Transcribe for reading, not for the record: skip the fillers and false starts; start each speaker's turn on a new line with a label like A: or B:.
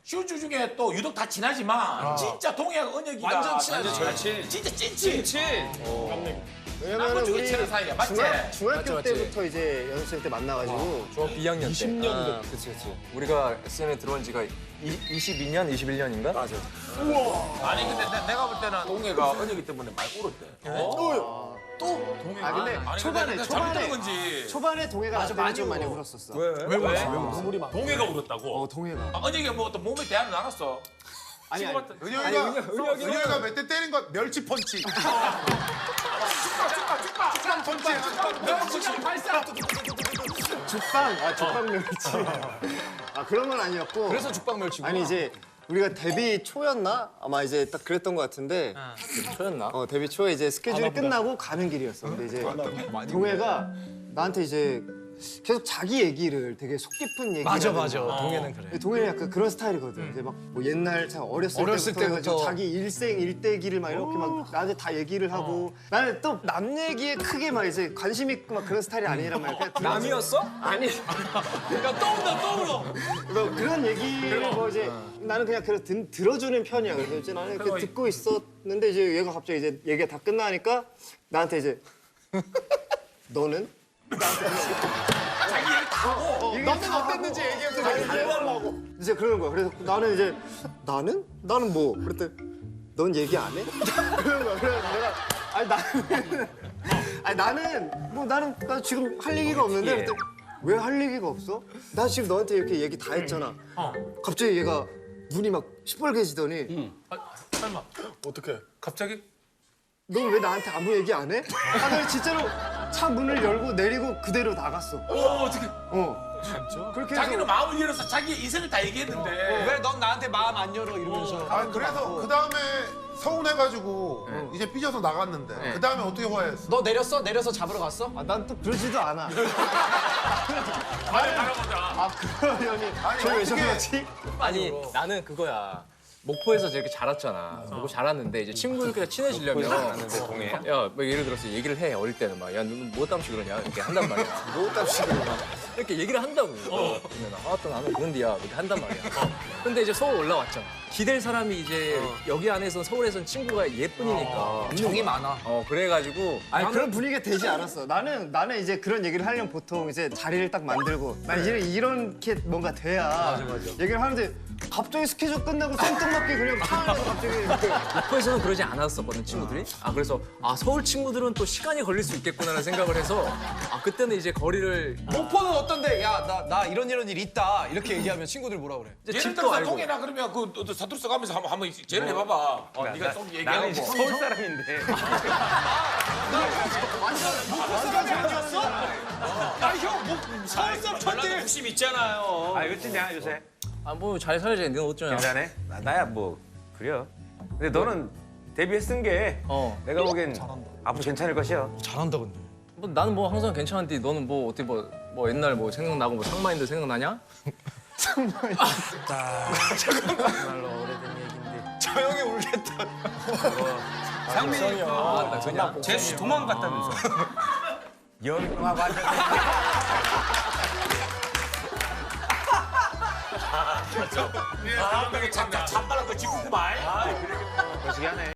A: 슈즈 중에 또 유독 다 친하지만 진짜 동해하고 은혁이가
B: 완전 친하지.
A: 절친. 진짜 찐친.
C: 왜냐면
A: 중에
C: 우리
A: 친한 사이야. 맞지?
C: 중학교
D: 맞지.
C: 때부터 이제 연습생 때 만나가지고
D: 중학교 2학년 때.
B: 20년
D: 그치. 우리가 SM에 들어온 지가 22년, 21년인가? 맞아.
A: 아니 근데 내가 볼 때는 동해가 은혁이 때문에 많이 울었대.
C: 아 근데
A: 아니,
C: 초반에
A: 근데 잘못 들은 건지.
C: 초반에 동해가 나 때문에 좀 많이 울었었어.
A: 동해가 울었다고?
C: 동해가.
A: 은혁이가 뭐 또 몸에 대안을 나갔어.
C: 아니
E: 은혁이가 몇 대 때린 거 멸치 펀치. 축방 펀치.
C: 죽방 멸치. 아 그런 건 아니었고.
B: 그래서 죽방멸치고.
C: 아니 이제 우리가 데뷔 초였나? 아마 이제 딱 그랬던 것 같은데.
D: 초였나?
C: 데뷔 초에 이제 스케줄이 끝나고 가는 길이었어. 근데 이제 동해가 나한테 이제 계속 자기 얘기를 되게 속 깊은 얘기를
B: 맞아.
C: 하는 거야.
B: 동해는 그래.
C: 동해는 약간 그런 스타일이거든. 이제 막 뭐 옛날 참 어렸을 때부터 해가지고 자기 일생 일대기를 막 이렇게 막 나한테 다 얘기를 하고 나는 또 남 얘기에 크게 막 이제 관심 있고 막 그런 스타일이 아니란 말이야. 그냥
B: 남이었어?
C: 아니
B: 그러니까 떠올라.
C: 뭐 그런 얘기를 뭐 이제 나는 그냥 들어주는 편이야. 그래서 이제 나는 이렇게 듣고 있었는데 이제 얘가 갑자기 이제 얘기가 다 끝나니까 나한테 이제 너는?
A: 자기 얘기 다 하고.
C: 너는 어땠는지 얘기해보고 이제 그러는 거야. 그래서 나는 이제 나는 뭐? 그랬더니 넌 얘기 안 해? 그러는 거야. 그래서 내가 나는 나 지금 할 얘기가 없는데 그랬더니 왜 할 얘기가 없어? 나 지금 너한테 이렇게 얘기 다 했잖아. 갑자기 얘가 눈이 막 시뻘개지더니
A: 설마
E: 어떻게?
A: 갑자기?
C: 넌 왜 나한테 아무 얘기 안 해? 아, 나 진짜로 차 문을 열고 내리고 그대로 나갔어.
A: 어떻게?
C: 진짜? 그렇게
A: 자기는
C: 해서
A: 마음을 열어서 자기의 인생을 다 얘기했는데.
B: 왜 넌 나한테 마음 안 열어 이러면서.
E: 아 그래서 그 다음에 서운해가지고 이제 삐져서 나갔는데 그 다음에 어떻게 화해했어?
B: 너 내렸어? 내려서 잡으러 갔어?
C: 난 또 그러지도 않아.
A: 알아보자.
C: 아 그러려니 저왜 저러지?
D: 아니 나는 그거야. 목포에서 저렇게 자랐잖아. 목포 자랐는데 이제 친구들끼리 친해지려면 동해. 야, 뭐 예를 들어서 얘기를 해 어릴 때는 막 야 너는 뭐 땀시 그러냐 이렇게 한단 말이야. 뭐 땀시 그러냐 이렇게 얘기를 한다고. 그러면 또 나는 그런데야 이렇게 한단 말이야. 근데 이제 서울 올라왔잖아. 기댈 사람이 이제 여기 안에서 서울에선 친구가 예쁜이니까
B: 정이 많아.
C: 그래가지고 아니 그런 분위기가 되지 않았어. 나는 이제 그런 얘기를 하려면 보통 이제 자리를 딱 만들고 난 이제 이렇게 뭔가 돼야 얘기를 하는데 갑자기 스케줄 끝나고 생뚱맞게 그냥 차 안에서 갑자기
D: 목포에서는 그러지 않았었거든 친구들이. 그래서 서울 친구들은 또 시간이 걸릴 수 있겠구나라는 생각을 해서 그때는 이제 거리를
B: 목포는 어떤데? 야, 나 이런 일 있다. 이렇게 얘기하면 친구들 뭐라 그래?
D: 이제
A: 예를
D: 집도
A: 들어서
D: 알고.
A: 동해나 그러면 그 사투리 써가면서 한번 제를 해봐봐. 네가 좀 얘기하고.
F: 서울 사람인데.
A: 서울 사람 천재.
B: 욕심 있잖아요.
F: 아, 이거 찐냐, 요새?
D: 뭐 잘 살지. 너는 어쩌냐.
F: 괜찮네? 나야 뭐, 그래요. 근데 너는 데뷔했은 게 내가 보기엔 앞으로 괜찮을 것이야.
B: 잘한다 근데.
D: 뭐 나는 뭐 항상 괜찮은데 너는 뭐 어떻게 뭐 옛날 뭐 생각나고 뭐 상마인드 생각나냐?
F: 정말로 오래된 얘기인데.
B: 저 형이 울겠다.
F: 상민이
D: 맞다 그냥.
F: 제수 도망갔다면서. 영화 봤는데.
A: 되게 잠깐만 그 짚고 말.
F: 거시기 하네.